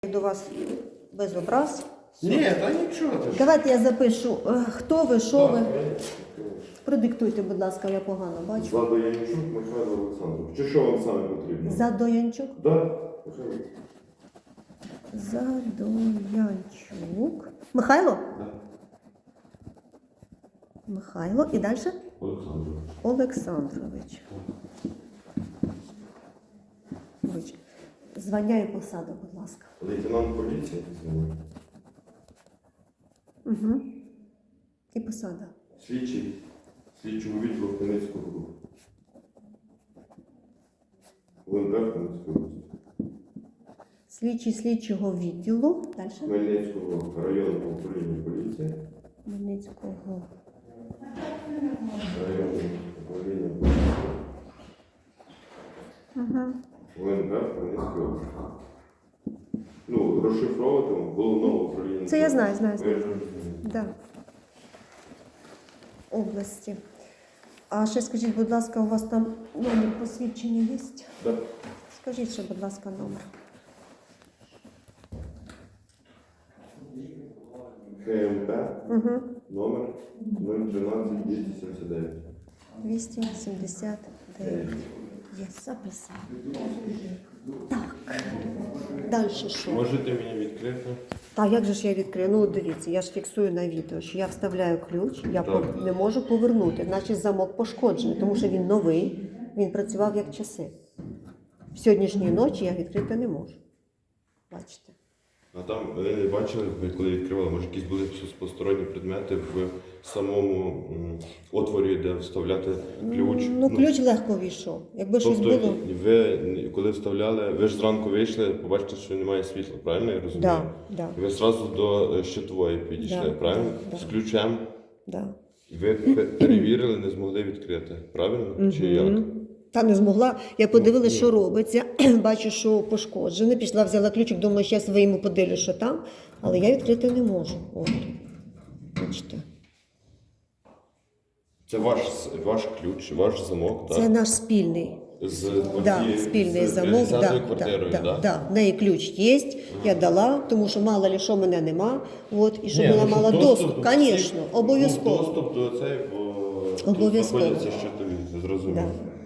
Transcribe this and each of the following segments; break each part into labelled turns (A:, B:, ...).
A: До вас без образ.
B: Ні, та нічого.
A: Давайте я запишу, хто ви, що ви. Продиктуйте, будь ласка, я погано бачу.
B: Задоянчук Михайло Олександрович. Чи що вам саме потрібно?
A: Задоянчук.
B: Да.
A: Задоянчук. Михайло?
B: Да.
A: Михайло. І далі?
B: Олександрович.
A: Олександрович. Звання і посада, будь ласка.
B: Лейтенант поліції.
A: Угу. І посада.
B: Слідчий. Слідчого відділу Хмельницького руху. ВНП Хмельницької області.
A: Слідчий слідчого відділу. Далі?
B: Хмельницького районного управління поліції.
A: Хмельницького.
B: Районного управління поліції.
A: Угу.
B: ВНП Хмельницької області. Ну, розшифровувати головного управління.
A: Це я знаю.
B: Ви
A: Да. Області. А ще скажіть, будь ласка, у вас там номер посвідчення є?
B: Так.
A: Скажіть ще, будь ласка, номер.
B: ХМП.
A: Угу.
B: Номер 013 279.
A: 279. Є, записав. Так. Далі що?
B: Можете мені відкрити?
A: Так, як же ж я відкрию? Ну, дивіться, я ж фіксую на відео, що я вставляю ключ, я не можу повернути, значить замок пошкоджений, тому що він новий, він працював як часи. В сьогоднішній ночі я відкрити не можу. Бачите?
B: А там, ви не бачили, ви коли відкривали, може якісь були посторонні предмети в самому отворі, де вставляти ключ?
A: Ну, ключ легко війшов. Якби щось
B: Тобто,
A: було...
B: ви, коли вставляли, ви ж зранку вийшли, побачите, що немає світла, правильно я розумію?
A: Да, да.
B: І ви одразу до щитової підійшли,
A: Да,
B: правильно?
A: да.
B: З ключем.
A: Да.
B: Ви перевірили, не змогли відкрити, правильно? Чи як?
A: Та не змогла. Я подивилася, що робиться. Бачу, що пошкоджене. Пішла, взяла ключик, думаю, зараз своєму подивлюсь, що там. Але я відкрити не можу. От. Бачите.
B: Це ваш ключ, ваш замок, так?
A: Це наш спільний. Спільний замок.
B: З 50-ю квартирою, так?
A: В неї ключ є, я дала, тому що мало ли що мене нема. От, і щоб
B: Ні,
A: вона
B: ну,
A: мала
B: щоб
A: доступ. Звісно, обов'язково.
B: Доступ до цей, бо
A: Обов'язково.
B: тут знаходяться щитові, зрозуміло.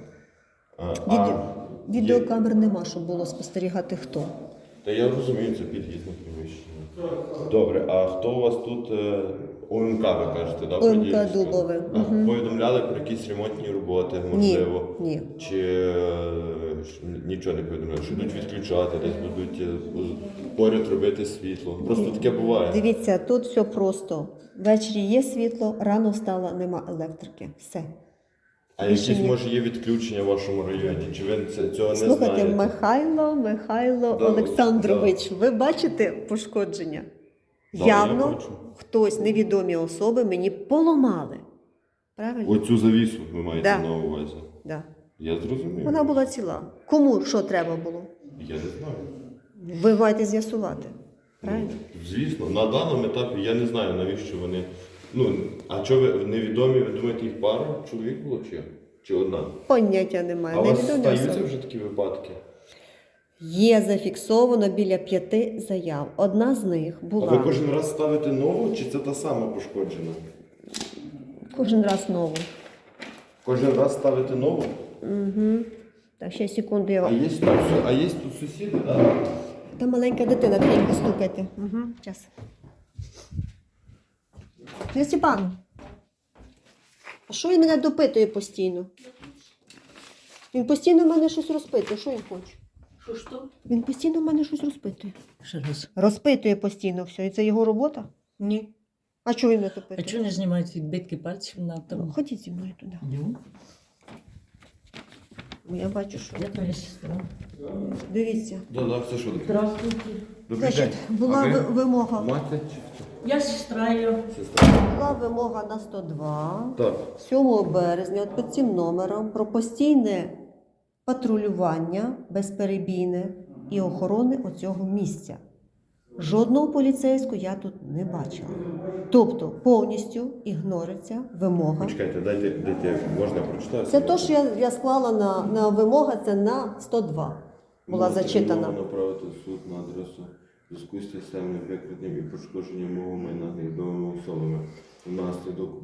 A: Відеокамер нема, щоб було спостерігати хто.
B: Та я розумію, це під'їзне приміщення. Добре, а хто у вас тут ОМК, ви кажете, так?
A: ОМК Дубове.
B: Повідомляли про якісь ремонтні роботи, можливо?
A: Ні.
B: Чи нічого не повідомляли? Що будуть відключати, десь будуть поряд робити світло? Просто таке буває.
A: Дивіться, тут все просто. Ввечері є світло, рано встала, нема електрики. Все.
B: А якісь, може, є відключення в вашому районі? Чи ви цього не знаєте?
A: Слухайте, Михайло Олександрович, ви бачите пошкодження?
B: Да,
A: Явно
B: я бачу.
A: хтось, невідомі особи, мені поламали. Правильно?
B: Оцю завісу ви маєте
A: Да.
B: на увазі?
A: Да.
B: Я зрозумів.
A: Вона була ціла. Кому що треба було?
B: Я не знаю.
A: Ви маєте з'ясувати. Правильно?
B: Звісно, на даному етапі я не знаю, навіщо вони. Ну, а що ви невідомі, ви думаєте, їх пара чоловік було чи одна?
A: Поняття немає.
B: А у вас
A: Невідомі
B: стаються
A: особи.
B: вже такі випадки?
A: Є зафіксовано біля 5 заяв. Одна з них
B: А
A: була
B: ви кожен раз ставите нову, чи це та сама пошкоджена?
A: кожен раз нову.
B: Кожен раз ставите нову?
A: Угу. Так, ще секунду я
B: А
A: вам.
B: є тут сусіди, так?
A: Там маленька дитина, тихенько стукайте. Угу. Час. Степан, а що він мене допитує постійно? Він постійно в мене щось розпитує. Що він хоче?
C: Що?
A: Він постійно в мене щось розпитує.
C: Ще раз.
A: Розпитує постійно все. І це його робота?
C: Ні.
A: А чого він мене
C: А
A: допитує?
C: чого не знімають відбитки пальців на
A: Ну,
C: тому?
A: ходіть зі мною туди.
C: Йду.
A: Бо я бачу, що...
C: Я твоя сестра.
A: Дивіться.
B: Так, це що таке?
C: Здравствуйте.
A: Значить, була вимога.
B: Мати чи хто?
C: Я сестра ее.
B: Сестра.
A: Була вимога на 102.
B: Так.
A: 7 березня під цим номером про постійне патрулювання безперебійне і охорони оцього місця. Жодного поліцейського я тут не бачила. Тобто повністю ігнориться вимога.
B: Почекайте, дайте, можна я прочитаю?
A: Це те, що я склала на вимога, це на 102. Була
B: Можете
A: зачитана.
B: направити в суд на адресу в зв'язку з системним викраденням і пошкодженням мого майна невідомими особами внаслідок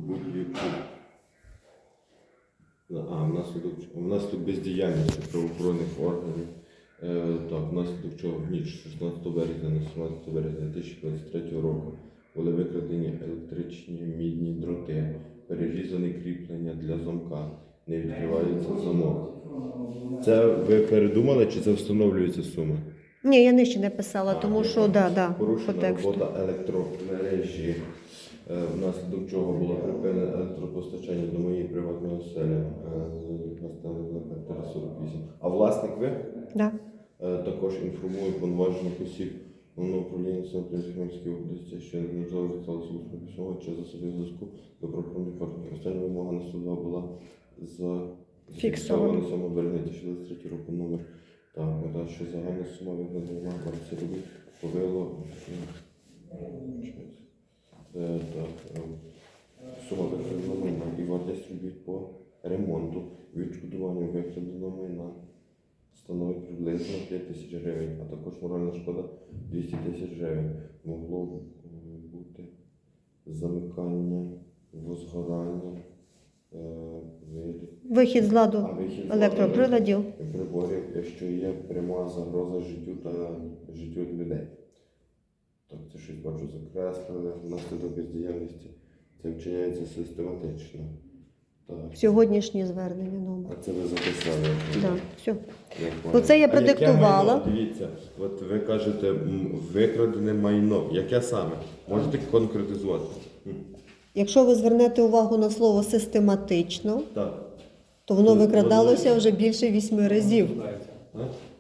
B: внаслідок бездіяльності правоохоронних органів, внаслідок чого в ніч 16 березня на 17 березня 2023 року були викрадені електричні мідні дроти, перерізані кріплення для замка, не відкривається замок. Це ви передумали чи це встановлюється сума?
A: Ні, я нижче не писала, тому що по
B: Порушена
A: тексту.
B: робота електромережі, внаслідок чого було припинено електропостачання до моєї приватної оселі, квартира 48. А власник ви?
A: Да.
B: Також інформую повноважених осіб Головного управління Хмельницької області, що неможливо сталося усне письмово чи засобів зв'язку до правоохоронних органів. Остання вимога на 102 була зафіксована 7 березня 2023 року номер. Що загальна сума виконання вартості робіт повело сума викраденого майна і вартість робіт по ремонту, відшкодуванню викраденого майна становить приблизно 5 тисяч гривень, а також моральна шкода 200 тисяч гривень. Могло бути замикання, возгорання,
A: Вихід з ладу
B: вихід з
A: електроприладів.
B: приборів, якщо є пряма загроза життю людей. Так, це щось бачу закреслили, внаслідок бездіяльності. Це вчиняється систематично. Так.
A: Сьогоднішнє звернення номер.
B: А це ви записали?
A: Да, все.
B: понял.
A: Оце я
B: А яке
A: продиктувала.
B: майно? Дивіться, от ви кажете, викрадене майно. Яке саме? Можете конкретизувати?
A: Якщо ви звернете увагу на слово систематично,
B: Так.
A: то воно викрадалося вже більше 8 разів.
B: А?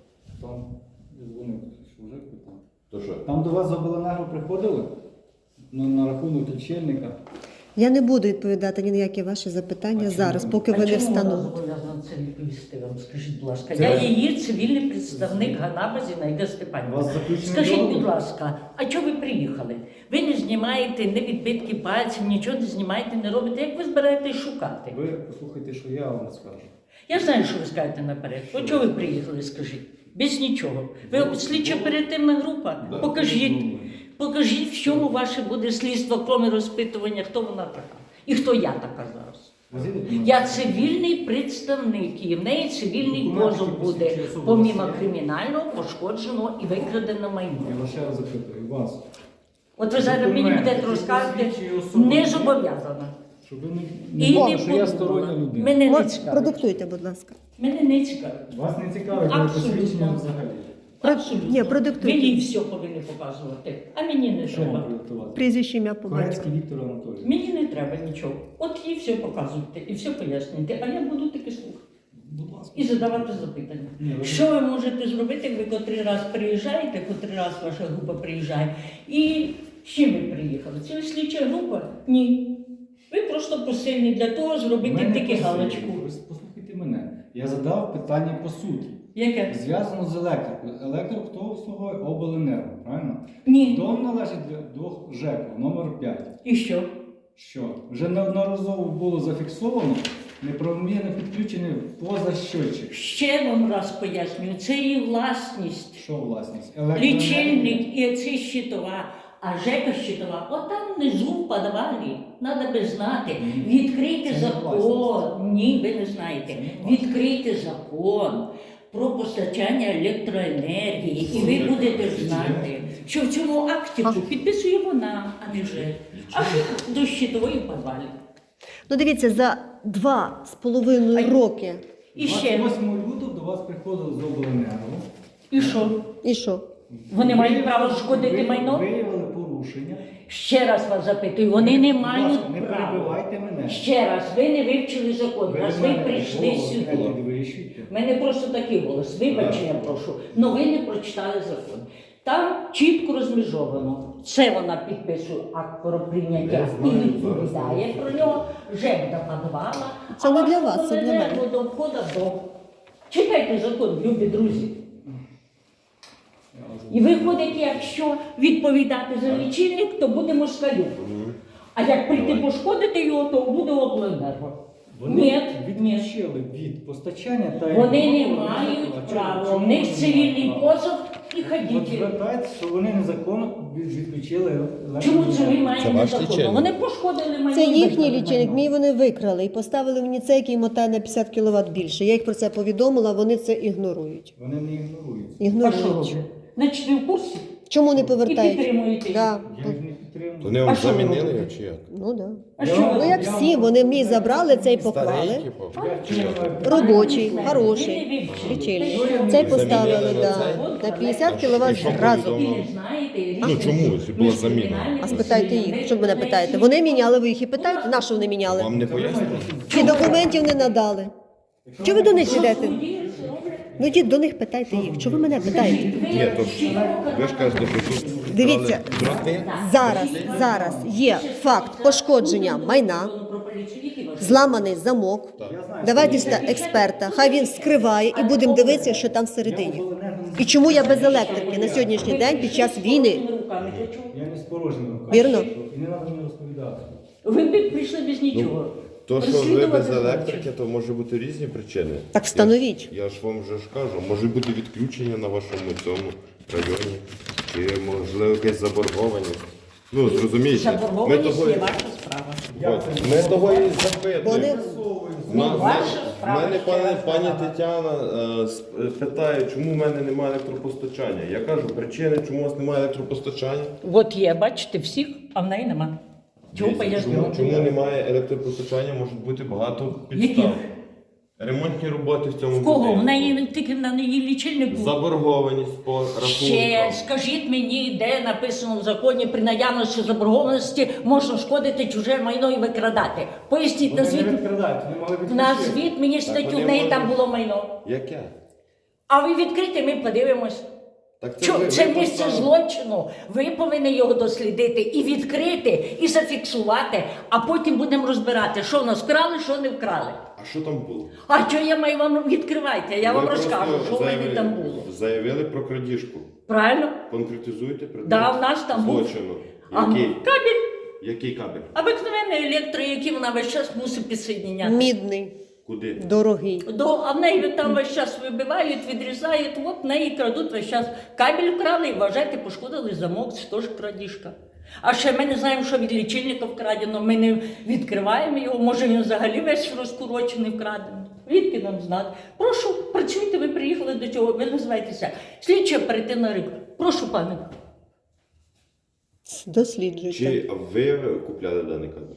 D: Там дзвонив, що вже питав.
B: То що?
D: Там до вас з обленерго приходили? Ну, на рахунок лічильника.
A: Я не буду відповідати ні на які ваші запитання зараз, поки ви не
C: А чому вона
A: встановите.
C: зобов'язана це відповісти вам? Скажіть, будь ласка.
D: Це
C: Я
D: ви-
C: її цивільний представник Ганаба Зінаїда
D: У
C: Степанівна.
D: вас заключений
C: Скажіть,
D: договір?
C: будь ласка, а чого ви приїхали? Ви не знімаєте не відбитки пальців, нічого не знімаєте, не робите. Як ви збираєтесь шукати?
D: Ви послухайте, що я вам скажу.
C: Я знаю, що ви скажете наперед. От чого ви приїхали, скажіть? Без нічого. Ви слідчо оперативна група?
B: Да.
C: Покажіть, в чому ваше буде слідство, крім розпитування, хто вона така. І хто я така зараз.
D: Возіть документи.
C: Я цивільний представник, і в неї цивільний
D: Документи,
C: позов
D: які
C: буде,
D: посвідчують особу
C: помімо
D: Росії.
C: кримінального, пошкодженого і викраденого майна.
D: Я вас ще раз запитую, вас.
C: От ви зараз мені
D: Документи,
C: будете розказувати,
D: посвідчують особу
C: не
D: Росії.
C: зобов'язана.
D: Щоб ви не
C: І
D: думали,
C: не
D: що я стороння
C: подумала.
D: людина.
C: Мене не
A: От,
C: цікавить.
A: продиктуйте, будь ласка.
C: Мене не цікавить.
D: Вас не цікавить моє
C: Абсолютно.
D: посвідчення взагалі.
C: Абсолютно.
A: Ні, продиктуйте.
C: Мені все повинні показувати, а мені не
D: Що вам
C: треба.
D: продиктувати?
A: Прізвище, ім'я по батьку.
D: Корецький Віктор Анатолійович.
C: Мені не треба нічого. От їй все показуйте і все пояснюйте, а я буду таки слухати.
D: Будь ласка.
C: І задавати запитання.
D: Ні, ви-
C: Що ви можете зробити, як ви котрий раз приїжджаєте, котрий раз ваша група приїжджає, і з чим ви приїхали? Це ви слідча група? Ні. Ви просто посильні для того зробити
D: Мене
C: тільки
D: посилює.
C: галочку.
D: Ви послухайте мене. Я задав питання по суті.
C: Яке?
D: Зв'язано з електрикою. Електрик хто обслуговує обленерго, правильно?
C: Ні.
D: Дом належить до ЖЕКу номер 5.
C: І що?
D: Що? Вже неодноразово було зафіксовано неправомірне підключення поза щочик.
C: Ще вам раз пояснюю, це її власність.
D: Що власність?
C: Лічильник і оці щитова. А ЖЕКа щитова, отам внизу в підвалі, треба би знати. Відкрийте
D: Це не
C: закон.
D: власність.
C: Ні, ви не знаєте.
D: Це не власність.
C: Відкрийте закон про постачання електроенергії, і ви будете знати, що в цьому акті підписує вона, а не ЖЕК. А що до щитової в підвалі.
A: Ну дивіться, за 2,5 роки.
C: І ще.
D: 28 лютого до вас приходили з обленерго.
C: І що?
A: І що?
C: Вони мають право шкодити
D: Ви
C: майно?
D: Виявили порушення.
C: Ще раз вас запитую, вони не
D: Будь
C: мають
D: ласка, не
C: права.
D: перебивайте мене.
C: Ще раз, ви не вивчили закон, раз ви
D: мене
C: прийшли
D: голос не
C: сюди.
D: підвищуйте.
C: У мене просто такий голос, вибачення прошу, але ви не прочитали закон. Там чітко розмежовано. Це вона підписує акт про прийняття
B: Я
C: і
B: знаю,
C: відповідає про нього, ЖЕК до підвала.
A: Це не для вас, це для мене.
C: До входу до. Читайте закон, любі друзі. І виходить, якщо відповідати за лічильник, то буде москалю. А як прийти пошкодити його, то буде обленерго. Ні, ні.
D: відключили від постачання та
C: Вони не
D: імпорту
C: мають
D: електричного.
C: права.
D: Чому
C: У них
D: вони
C: цивільний
D: мають право?
C: позов і
D: От
C: ходіть.
D: звертайтеся, що вони незаконно відключили
C: Чому це ви
B: Це
C: маєте
B: ваш
C: незаконно?
B: лічильник?
C: Вони пошкодили майно.
A: Це
C: і
A: їхній
C: викрали
A: лічильник,
C: майно.
A: мій вони викрали і поставили мені цей, який мотає на 50 кВт більше. Я їх про це повідомила, вони це ігнорують.
D: Вони не ігнорують.
C: А що
A: Ігнорують.
C: роблять? Значить, ви в курсі?
A: Чому не
C: І
A: повертають?
C: підтримуєте їх.
A: Да.
D: Я їх не підтримую.
B: Вони вам
C: А що ви
B: замінили
C: робите?
B: його чи як?
A: Ну да.
C: А що ви
A: Ну як
C: робите?
A: всі, вони мій забрали, цей
B: Старий,
A: поклали.
B: типу?
A: Робочий, хороший,
C: Ви не вивчили.
A: лічильник.
C: Те,
A: Цей
C: що
A: поставили,
B: замінили
A: да.
B: на
A: На 50
B: І
A: кВт
B: що
A: зразу.
C: І
B: повідомили?
C: не знаєте,
B: Ну,
C: різницю
B: чому, якщо була
C: між
B: заміна?
C: кримінальним
A: А спитайте
C: судом,
A: їх, що ви мене питаєте? Вони міняли, ви їх і питаєте, на що вони міняли?
B: Вам не пояснили?
A: Ці документів не надали. Чого ви до них
C: Що
A: йдете?
C: судді роблять?
A: Ну йдіть до них, питайте їх. Чого ви мене питаєте?
B: Ні, то ж ви ж кажете, що тут
A: Дивіться.
B: брали дроти.
A: Зараз є факт пошкодження майна, зламаний замок. Давайте сюди експерта, хай він вскриває і будемо дивитися, що там всередині. І чому я без електрики на сьогоднішній день під час війни?
D: Я не з порожніми руками.
A: Вірно?
D: І не треба мені розповідати.
C: Ви б прийшли без нічого.
B: То, що ви
C: Розслідувати
B: без
C: хочете.
B: електрики, то може бути різні причини.
A: Так встановіть.
B: Я ж вам вже ж кажу, може бути відключення на вашому цьому районі, чи можливо якась заборгованість. Ну, зрозумієте, ми
C: Заборгованість
B: того,
C: є ваша справа.
B: от, ми того і
A: Вони
B: запитуємо.
C: Ваша справа.
B: Мене пані Тетяна питає, чому в мене немає електропостачання. Я кажу, причини, чому у вас немає електропостачання.
C: От є, бачите, всіх, а в неї нема. Чому
B: Дивіться,
C: поясню?
B: чому немає електропостачання, може бути багато
C: Яких?
B: підстав. Ремонтні роботи в цьому
C: В кого? В
B: будинку.
C: неї тільки на неї лічильник був.
B: Заборгованість по
C: Ще
B: рахункам.
C: скажіть мені, де написано в законі при наявності заборгованості можна шкодити чуже майно і викрадати. Поясніть,
D: Вони
C: назвіть,
D: не відкрадають, вони мали відключити.
C: назвіть мені статтю,
B: вони
C: в неї
B: можуть.
C: там було майно.
B: Яке?
C: А ви відкрите, ми подивимось.
B: Так
C: Це
B: ви
C: місце
B: поставили.
C: злочину. Ви повинні його дослідити і відкрити, і зафіксувати, а потім будемо розбирати, що в нас вкрали, що не вкрали.
B: А що там було?
C: А що я маю вам відкривайте? Я вам
B: Ви просто
C: розкажу, що в мене там було.
B: Заявили про крадіжку.
C: Правильно?
B: Конкретизуйте предмет
C: Да, в нас там був.
B: злочину.
C: А,
B: Який?
C: кабель.
B: Який кабель?
C: Обикновений електро, який вона весь час мусить підсоединяти.
A: мідний,
B: Куди?
A: дорогий.
C: А в неї там весь час вибивають, відрізають, от в неї крадуть весь час. Кабель вкрали і вважайте, пошкодили замок, це теж крадіжка. А ще ми не знаємо, що від лічильника вкрадено, ми не відкриваємо його, може він взагалі весь розкурочений вкрадений. Відки нам знати? Прошу, працюйте, ви приїхали до цього, ви називаєтеся слідча оперативна рибка. Прошу, пане.
A: Досліджуйте.
B: Чи ви купляли даний кабель?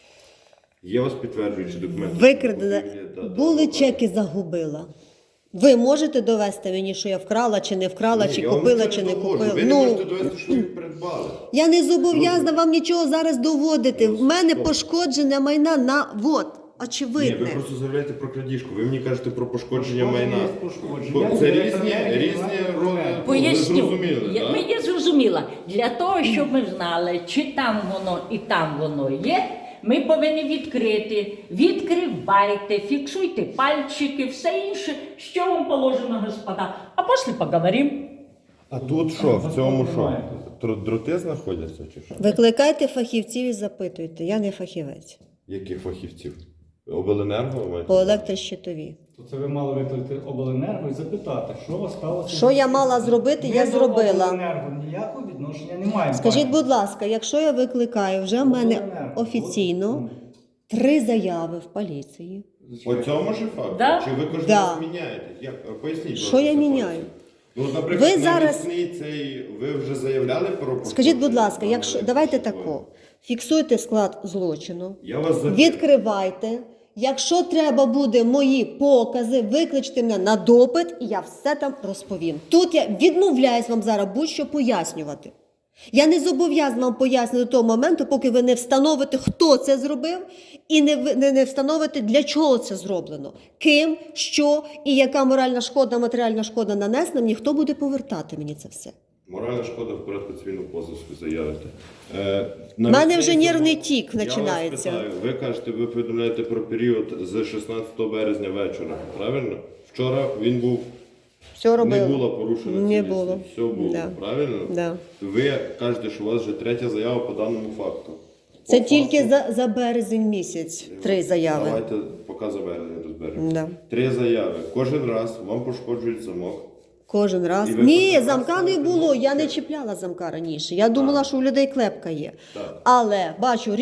B: Є у вас підтверджуючі документи?
A: Викрадена.
B: Да,
A: Були
B: да,
A: чеки, загубила. Ви можете довести мені, що я вкрала, чи не вкрала,
B: Ні,
A: чи
B: я вам
A: купила,
B: нічого
A: чи не
B: доводжу.
A: купила.
B: Ви не можете довести, що ви їх придбали.
A: Я не зобов'язана вам нічого зараз доводити. В мене пошкодження майна на вот,
B: Ні, ви
A: очевидне.
B: просто заявляєте про крадіжку. Ви мені кажете про пошкодження
D: Пошкодження
B: майна.
D: є пошкодження.
B: Бо
D: Я
B: це
D: не
B: різні
D: знаю,
B: роли. Ви
C: Поясню.
B: зрозуміли,
C: Я,
B: так?
C: я зрозуміла. Для того, щоб ми знали, чи там воно і там воно є, ми повинні відкрити. Відкривайте, фіксуйте пальчики, все інше, що вам положено, господа. А після поговоримо.
B: А тут що? В цьому що? Дроти знаходяться чи що?
A: Викликайте фахівців і запитуйте. Я не фахівець.
B: Яких фахівців? Обленерго ви маєте?
A: По електрощитовій.
D: То це ви мали викликати обленерго і запитати, що у вас сталося.
A: Що я мала зробити, я
D: Ми до
A: зробила.
D: обленерго ніякого відношення не маємо.
A: Скажіть,
D: пані.
A: будь ласка, якщо я викликаю, вже в мене
D: Обленерго.
A: офіційно 3 заяви в поліції.
B: По цьому ж факту?
C: Да.
B: Чи ви кожен
A: Да.
B: раз міняєте? Як? Поясніть.
A: Що
B: будь ласка,
A: я
B: ситуацію.
A: міняю?
B: Ну, наприклад,
A: Ви зараз-
B: навесні цей, ви вже заявляли про пошкодження?
A: Скажіть, будь ласка,
B: даної
A: якщо давайте
B: електричної?
A: тако. Фіксуйте склад злочину,
B: Я вас запитую.
A: відкривайте. Якщо треба буде мої покази, викличте мене на допит, і я все там розповім. Тут я відмовляюсь вам зараз будь-що пояснювати. Я не зобов'язана вам пояснити до того моменту, поки ви не встановите, хто це зробив, і не встановите, для чого це зроблено. Ким, що і яка моральна шкода, матеріальна шкода нанесена мені, хто буде повертати мені це все.
B: Моральна шкода в порядку цивільного позову заявите.
A: У мене вже нервний тік починається.
B: Я вас питаю, ви кажете, ви повідомляєте про період з 16 березня вечора, правильно? Вчора він був,
A: Все робила.
B: не було порушено
A: Не
B: цілісність,
A: було.
B: все було,
A: Да.
B: правильно?
A: Да.
B: Ви кажете, що у вас вже 3-я заява по даному факту.
A: Це
B: По
A: тільки
B: факту-
A: за березень місяць 3 заяви.
B: Давайте поки за березень розберемо.
A: Да.
B: 3 заяви. Кожен раз вам пошкоджують замок.
A: Кожен раз.
B: І ви
A: Ні,
B: кожен раз
A: замка не
B: ставите
A: було. Я
B: ножки?
A: не чіпляла замка раніше. Я думала, що у людей клепка є.
B: Так.
A: Але бачу,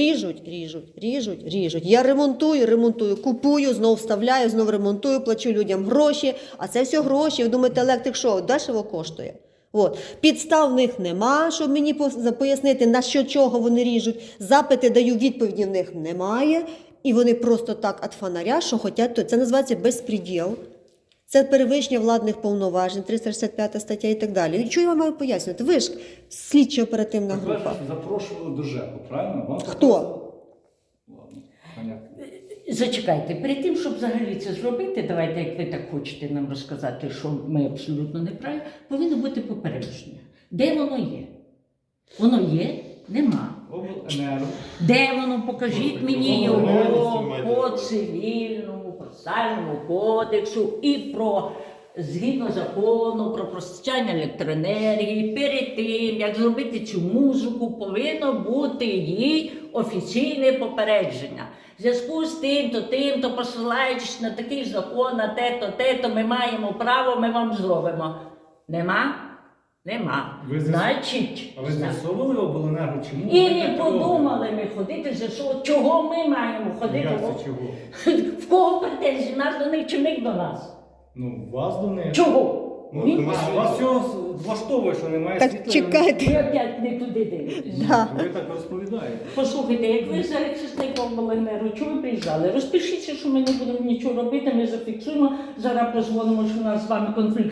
A: ріжуть. Я ремонтую, купую, знов вставляю, знов ремонтую, плачу людям гроші. А це все гроші. Ви думаєте, електрик що, дешево коштує? От. Підстав в них нема, щоб мені пояснити, на що чого вони ріжуть. Запити даю, відповіді в них немає. І вони просто так від фонаря, що хочуть, то це називається безпреділ. Це перевищення владних повноважень, 365 стаття і так далі. І що я вам маю пояснювати? Ви ж слідчо-оперативна
D: Так ви ж
A: група.
D: запрошували до ЖЕКу, правильно? Вам
A: Хто?
D: показали? Ладно, понятно.
C: Зачекайте, перед тим, щоб взагалі це зробити, давайте, як ви так хочете нам розказати, що ми абсолютно не праві, повинно бути попередження. Де воно є? Воно є? Нема.
D: Обленерго.
C: Де воно? Покажіть мені
B: Обленерго,
C: його
B: маєте
C: по
B: на увазі.
C: цивільному, процесуальному кодексу і про, згідно закону, про постачання електроенергії. Перед тим, як зробити цю музику, повинно бути їй офіційне попередження. В зв'язку з тим-то, посилаючись на такий закон, на те-то, ми маємо право, ми вам зробимо. Нема? Нема.
D: Ви
C: Значить,
D: А ви з'ясовували в обленерго, чому?
C: і
D: ви
C: не
D: так
C: подумали ми ходити за що, чого ми маємо ходити.
D: робите? Як це чого?
C: В кого претензії? Нас до них чи них до нас?
D: Ну, вас до них.
C: Чого?
B: Ну,
C: Ні?
B: тому
D: А вас цього влаштовує, що немає
A: Так
D: світла?
A: чекайте.
C: Ви опять не туди дивитесь.
A: Да.
D: Ви так розповідаєте.
C: Послухайте, як ви захисником обленерго, чого ви приїжджали? Розпишіться, що ми не будемо нічого робити, ми зафіксуємо. Зараз позвонимо, що у нас з вами конфлікт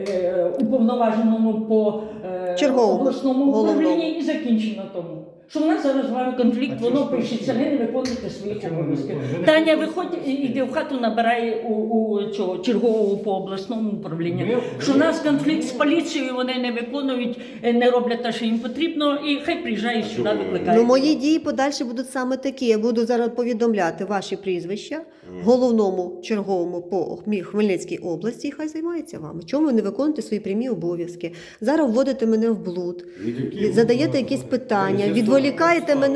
C: уповноваженому по
A: Черговому,
C: обласному
A: головному.
C: управлінні і закінчимо на тому. Що в нас зараз з вами конфлікт,
D: А
C: воно
D: чого ж
C: пишеться, ви не виконуєте своїх
D: А чому не
C: обов'язків.
D: виконуєте? Ви не
C: Таня,
D: виконуєте
C: виходь,
D: свої
C: іди в хату, набирає у цього чергового по обласному управлінню.
D: Ми-
C: Що в нас конфлікт з поліцією, вони не виконують, не роблять те, що їм потрібно, і хай приїжджають сюди,
B: чому ви?
C: викликають.
A: Ну, мої дії подальші будуть саме такі. Я буду зараз повідомляти ваші прізвища головному черговому по Хмельницькій області, і хай займається вами. Чому ви не виконуєте свої прямі обов'язки? Зараз вводите мене в блуд, задаєте якісь питання, відволікаєте мене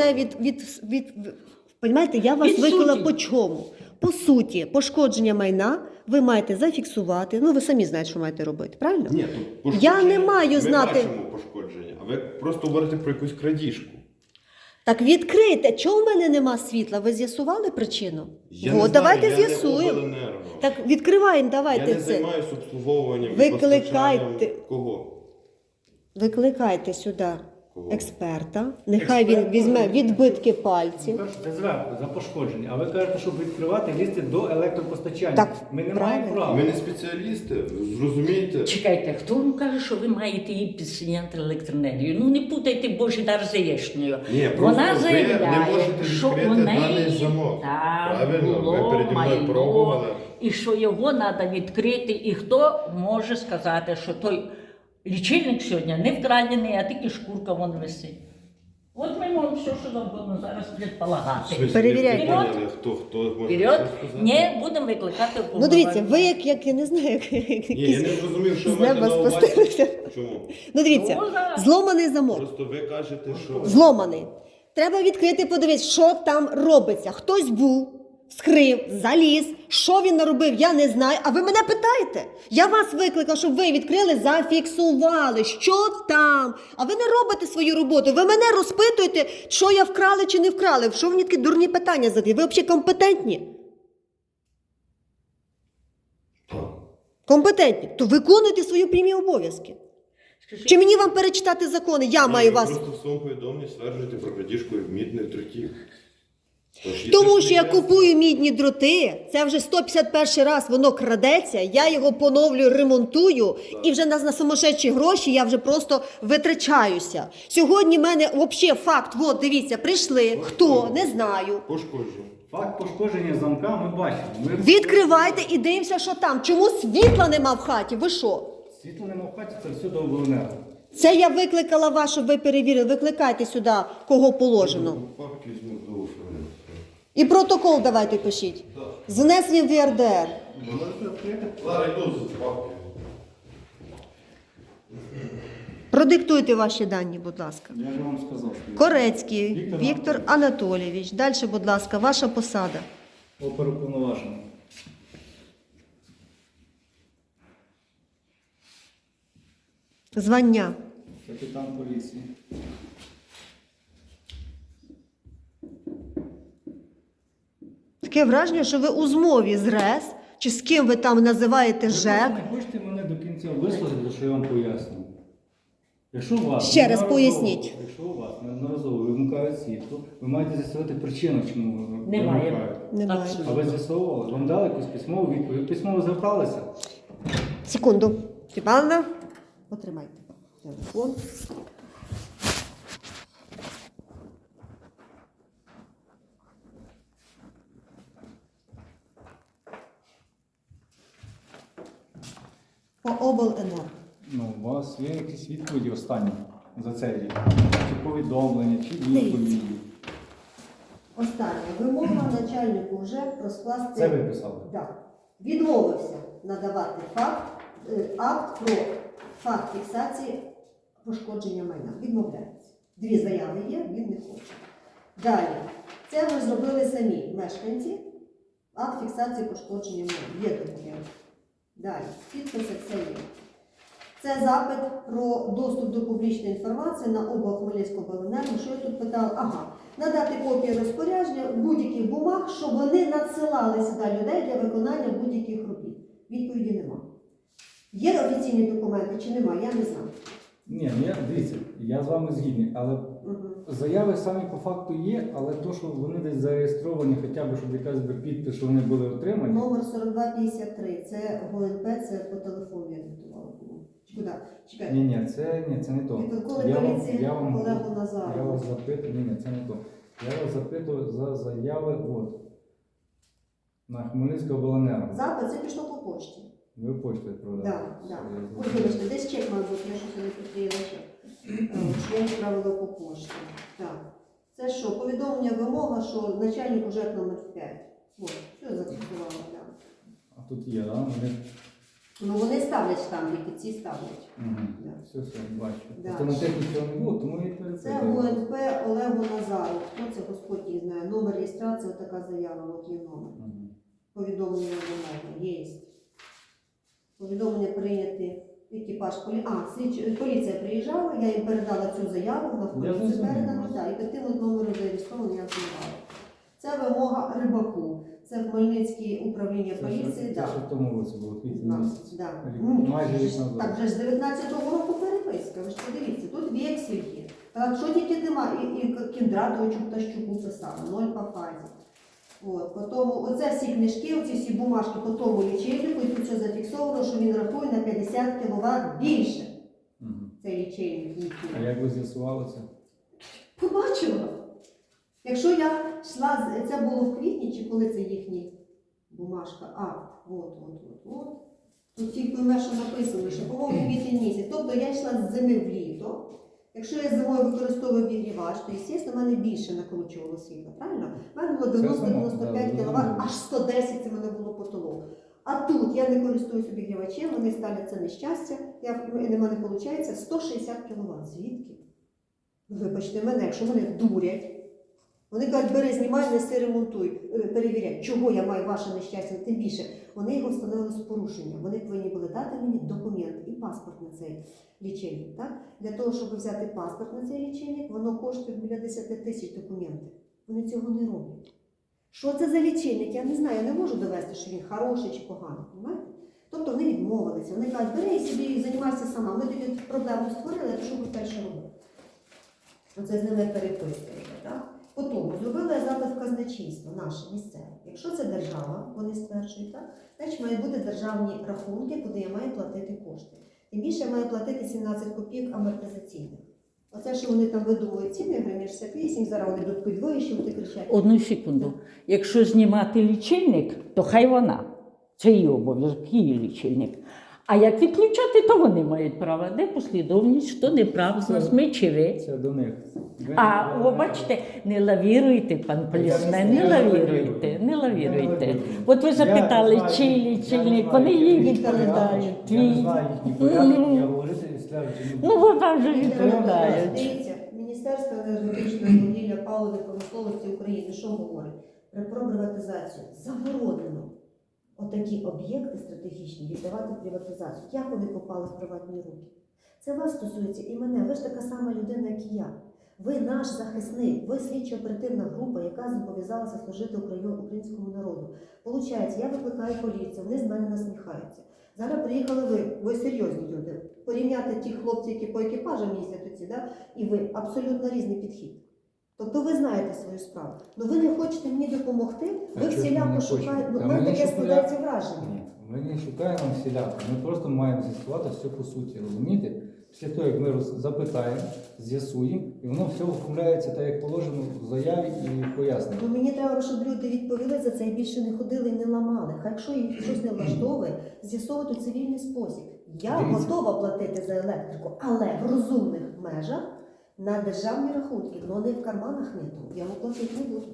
A: Понімаєте, я вас
C: Від
A: викликала
C: суті.
A: по чому? По суті, пошкодження майна ви маєте зафіксувати. Ну, ви самі знаєте, що маєте робити, правильно?
B: Ні, то
A: Я не маю
B: ми
A: знати.
B: бачимо пошкодження, а ви просто говорите про якусь крадіжку.
A: Так відкрийте. Чого в мене нема світла? Ви з'ясували причину?
B: Я не
A: От,
B: знаю,
A: давайте
B: я не
A: з'ясуємо.
B: обленерго.
A: Так відкриваємо,
B: Я
A: давайте
B: не
A: це.
B: займаюся обслуговуванням і
A: Викликайте.
B: постачанням кого?
A: Викликайте сюди
B: Кого?
A: експерта. Нехай він візьме відбитки пальців.
D: Перше, це зверху, за пошкодження. А ви кажете, щоб відкривати, лізти до електропостачання.
A: Так,
D: Ми не
A: правильно.
D: маємо права.
B: Ми не спеціалісти, зрозумієте?
C: Чекайте, хто вам каже, що ви маєте їй підсоняти електроенергію? Ну не путайте Божий дар з яєчнею.
B: Ні, просто
C: Вона
B: ви
C: заявляє,
B: не можете
C: що у
B: відкрити
C: неї
B: даний замок.
C: там
B: Правильно, ви
C: було
B: переді мною
C: майно,
B: пробували.
C: і що його треба відкрити. І хто може сказати, що той лічильник сьогодні не вкрадений, а тільки шкурка вон висить. От ми можемо все, що завгодно зараз предполагати.
B: В смислі,
A: Перевіряйте.
B: не поняли, хто може
C: Вперед,
B: щось сказати?
C: не будемо викликати
A: Ну дивіться, ви
C: уповноваженого.
A: як я не знаю, як
B: Ні, я
A: якісь
B: не зрозумів, що
A: з
B: ви маєте
A: неба
B: на увазі.
A: спустилися.
B: Чому?
A: Ну дивіться,
C: Ну, зараз.
A: зломаний замок.
B: Просто ви кажете, що...
A: Зломаний. Треба відкрити, подивитися, що там робиться. Хтось був, вскрив, заліз. Що він наробив, я не знаю. А ви мене питаєте? Я вас викликав, щоб ви відкрили, зафіксували, що там. А ви не робите свою роботу. Ви мене розпитуєте, що я вкрали чи не вкрали. Що ви мені такі дурні питання задаєте? Ви взагалі компетентні?
B: Так.
A: Компетентні. То виконуйте свої прямі обов'язки.
C: Скажіть,
A: Чи мені вам перечитати закони? Я
B: Ні,
A: маю
B: ви
A: вас.
B: просто в своєму повідомленні стверджуєте про крадіжку мідних дротів. Тож,
A: Тому
B: це
A: що
B: ж
A: я
B: не
A: купую мідні дроти, це вже 151 раз воно крадеться, я його поновлюю, ремонтую, і вже на сумасшедші гроші я вже просто витрачаюся. Сьогодні в мене взагалі факт, от дивіться, прийшли, хто, не знаю.
B: Пошкоджу.
D: Факт пошкодження замка ми бачимо.
A: Відкривайте і дивимося, що там. Чому світла нема в хаті? Ви що?
D: Світла нема в хаті, це все до обленерго.
A: Це я викликала вас, щоб ви перевірили. Викликайте сюди, кого положено.
B: Папки візьму до оферу.
A: І протокол давайте пишіть. З внесенням в ЄРДР.
B: Лара, йду з папки.
A: Продиктуйте ваші дані, будь ласка.
D: Я ж вам сказав.
A: Корецький Віктор Анатолійович. Далі, будь ласка, ваша посада.
D: Оперуповноважений.
A: Звання.
D: Капітан поліції.
A: Таке враження, що ви у змові з РЕС, чи з ким ви там називаєте
D: Ви
A: ЖЕК.
D: не хочете мене до кінця вислухати, що я вам поясню. Якщо у вас
A: Ще раз
D: неодноразово-
A: поясніть.
D: Якщо у вас неодноразово вимикають світло, ви маєте з'ясувати причину, чому ви
C: Немає.
D: вимикають.
A: Немає.
C: Абсолютно.
D: А ви з'ясовували? Вам дали якусь письмову відповідь? Ви письмово зверталися?
A: Секунду. Степановна, потримайте телефон. По обленерго.
D: Ну, у вас є якісь відповіді останні за цей рік? Чи повідомлення, чи відповіді?
A: Остання вимога начальнику ЖЕК розкласти.
D: Це ви писали?
A: Так. Відмовився надавати акт про факт фіксації пошкодження майна. Відмовляється. 2 заяви є, він не хоче. Далі. Це ви зробили самі мешканці. Акт фіксації пошкодження майна. Є документ. Далі. Підписи все є. Це запит про доступ до публічної інформації на облак Хмельницького обленерго. Що я тут питала? Ага. Надати копії розпорядження будь-яких бумаг, щоб вони надсилали сюди людей для виконання будь-яких робіт. Відповіді нема. Є офіційні документи чи нема, я не знаю.
D: Ні, дивіться, я з вами згідний, але
A: Угу.
D: заяви самі по факту є, але то, що вони десь зареєстровані, хоча б, щоб якась би підпис, що вони були отримані.
A: Номер 4253, це ГУНП, це по телефону я диктувала. Чи куди? Чекайте.
D: Ні, це не то.
A: Відколи поліції Олегу
D: Я
A: Назару.
D: вас запитую, ні, це не то. Я вас запитую за заяви на Хмельницького обленерго.
A: Запит це пішло по пошті.
D: Ви почту відправляли?
A: Так, так. Ой, вибачте, десь чек має бути, я щось не приклеїла чек. Я відправила по пошті. Так. Це що? Повідомлення вимога, що начальник уже номер 5. Ось, що я зафіксувала, так.
D: А тут є, так?
A: Ну вони ставлять штампики, ці ставлять.
D: Угу.
A: Да.
D: Все, бачу.
A: Да.
D: Просто на техніці цього не було, тому я і
A: Це
D: перепитую.
A: ГУНП Олегу Назару. Хто це, Господь її знає. Номер реєстрації, така заява, от є номер.
D: Мгм.
A: Повідомлення вимоги, є. Повідомлення прийняти екіпаж поліція приїжджала, я їм передала цю заяву, на поліцію
D: зрозумів.
A: передала, так, і таким от номером зареєстрований я знімала. Це вимога Рибаку. Це Хмельницьке управління поліції.
D: Це
A: да.
D: ще в тому році було, квітні місяць.
A: Да.
D: Рік-
A: Ну,
D: майже рік назад.
A: Так, вже з 19-го року переписка, ви ж подивіться, тут вексель є. Так, що тільки нема, і Кіндратовичу Птащуку писали, 0 по фазі. От, потім, оце всі книжки, оці всі бумажки по тому лічильнику, і тут все зафіксовано, що він рахує на 50 кВт більше.
D: Мгм.
A: Цей лічильник їхній.
D: А як ви з'ясували це?
A: Побачила. Якщо я йшла, це було в квітні, чи коли це їхній бумажка, акт, от. Тут тільки пойме, що написано, що, по-моєму, квітень місяць. Тобто я йшла з зими в літо. Якщо я зимою використовую обігрівач, то, звісно, в мене більше накручувало світло, правильно? У мене було 90-95
D: да,
A: кВт, аж 110 це в мене було потолок. А тут я не користуюсь обігрівачем, вони ставлять це нещастя, в мене виходить 160 кВт. Звідки? Ну, вибачте мене, якщо мене дурять, вони кажуть, бери, знімай, неси, ремонтуй, перевіряй, чого я маю ваше нещастя, тим більше. Вони його встановили з порушенням. Вони повинні були дати мені документ і паспорт на цей лічильник. Так? Для того, щоб взяти паспорт на цей лічильник, воно коштує біля 10 тисяч документів. Вони цього не роблять. Що це за лічильник? Я не знаю, я не можу довести, що він хороший чи поганий. Понимаєте? Тобто вони відмовилися. Вони кажуть, бери собі і займайся сама. Ми тобі проблему створили, а що ви далі робити? Оце з ними переписка. Так? Потім зробили я запит в казначейство, наше місцеве. Якщо це держава, вони стверджують, так, значить мають бути державні рахунки, куди я маю платити кошти. Тим більше я маю платити 17 копійок амортизаційних. Оце, що вони там видумують ціни, гривень 68, зараз вони будуть підвищувати, кричать.
C: Одну секунду. Якщо знімати лічильник, то хай вона. Це її обов'язок, її лічильник. А як відключати, то вони мають право. Де послідовність, хто не прав з нас, ми чи ви.
D: Це до них.
C: Ви бачите, не лавіруйте, пан полісмен, не лавіруйте, не лавіруйте. От ви запитали, чий лічильник, вони її відповідають.
D: Я не
C: Твій.
D: знаю їхні порядки, я говорити і стверджую, чи не
C: Ну,
D: буду.
C: бо вам же відповідають.
A: Дивіться, Міністерство енергетичної вугілля, паливної промисловості України, що говорить? Про приватизацію заборонено отакі об'єкти стратегічні віддавати в приватизацію. Як вони попали в приватні руки? Це вас стосується і мене. Ви ж така сама людина, як і я. Ви наш захисник, ви слідчо-оперативна група, яка зобов'язалася служити українському народу. Получається, я викликаю поліцію, вони з мене насміхаються. Зараз приїхали ви серйозні люди. Порівняти ті хлопці, які по екіпажам їздять оці, да? І ви абсолютно різний підхід. Тобто ви знаєте свою справу. Ну ви не хочете мені допомогти, ви всіляко шукаєте. Ну, в мене таке складається враження.
D: Ні, ми не шукаємо всіляко. Ми просто маємо з'ясувати все по суті, розумієте? Після того, як ми запитаємо, з'ясуємо, і воно все оформляється так, як положено в заяві і пояснення.
A: Ну мені треба, щоб люди відповіли за це і більше не ходили і не ламали. Хай якщо їх щось не влаштовує, з'ясовувати у цивільний спосіб. Я
D: Дивіться.
A: готова платити за електрику, але в розумних межах на державні рахунки, але не в карманах нету. Я вам платити не буду.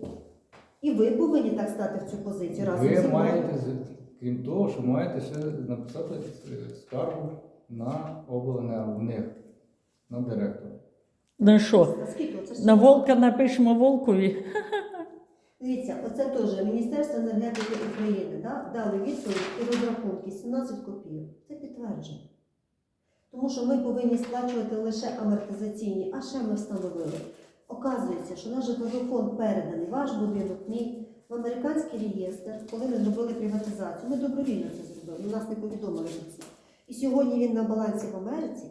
A: І ви повинні так стати в цю позицію разом зі
D: Ви
A: мною.
D: маєте, крім того, що маєте ще написати скаргу на обленерго, в них, на директора.
C: На що?
A: А скільки? Оце ж
C: На волка напишемо волкові.
A: Дивіться, оце теж Міністерство енергетики України дали відповідь і розрахунки 17 копійок. Це підтверджено. Тому що ми повинні сплачувати лише амортизаційні, а ще ми встановили. Оказується, що наш житловий фонд переданий, ваш будинок, мій, в американський реєстр, коли ми зробили приватизацію. Ми добровільно це зробили, нас не повідомили про це. І сьогодні він на балансі в Америці,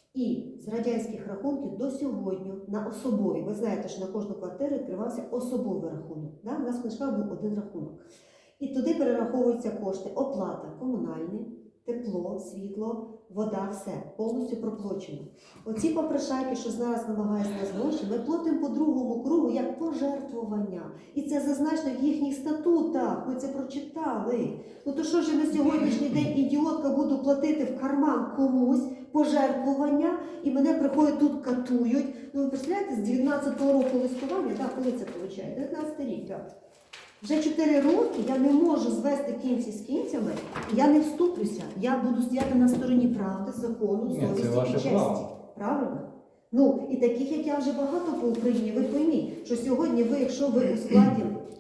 A: і з радянських рахунків до сьогодні на особові. Ви знаєте, що на кожну квартиру відкривався особовий рахунок. Да? У нас в книжках був один рахунок. І туди перераховуються кошти, оплата, комунальні, тепло, світло, вода, все, повністю проплачено. Оці попрошайки, що зараз намагаються нас гроші, ми платимо по другому кругу як пожертвування. І це зазначено в їхніх статутах, ми це прочитали. Ну то що ж я на сьогоднішній день ідіотка буду платити в карман комусь пожертвування, і мене приходять тут катують. Ну ви представляєте, з 19-го року листування, коли це виходить? 19-й рік, так. Вже 4 роки я не можу звести кінці з кінцями, і я не вступлюся. Я буду стояти на стороні правди, закону,
D: Ні,
A: совісті
D: це
A: і
D: ваше
A: честі.
D: право.
A: Правильно? Ну, і таких, як я, вже багато по Україні. Ви пойміть, що сьогодні ви, якщо ви у складі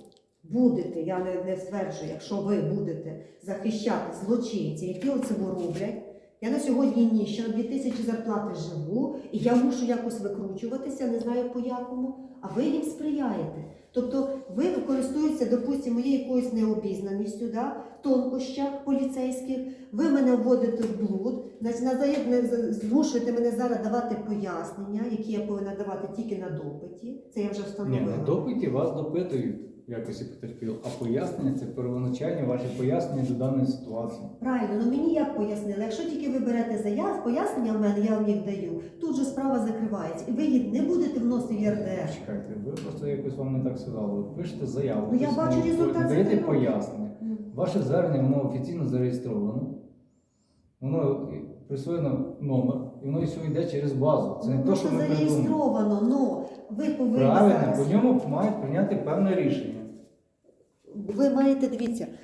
A: будете, я не стверджую, якщо ви будете захищати злочинців, які оце роблять, я на сьогодні ніщо, на 2000 зарплати живу, і я мушу якось викручуватися, не знаю по якому, а ви їм сприяєте. Тобто ви користуєтеся, допустимо, моєю якоюсь необізнаністю, тонкощах поліцейських, ви мене вводите в блуд, змушуєте мене зараз давати пояснення, які я повинна давати тільки на допиті, це я вже
D: Ні,
A: встановила.
D: на допиті вас допитують в якості потерпілого, а пояснення це первоначальні ваші пояснення до даної ситуації.
A: Правильно, ну мені як пояснили, якщо тільки ви берете заяв, пояснення в мене, я вам їх даю, тут же справа закривається, і ви її не будете вносити в ЄРДР.
D: Чекайте, ви просто якось вам не так сказали. Ви пишете заяву,
A: Ну, я
D: письмово,
A: бачу результат
D: надаєте
A: цього року.
D: пояснення. Ваше звернення, воно офіційно зареєстровано, воно присвоєно номер, і воно і все йде через базу. Це не те, що ми придумали.
A: зареєстровано, але ви повинні
D: Правильно,
A: зараз...
D: по ньому мають прийняти певне рішення.
A: Ви маєте, дивіться,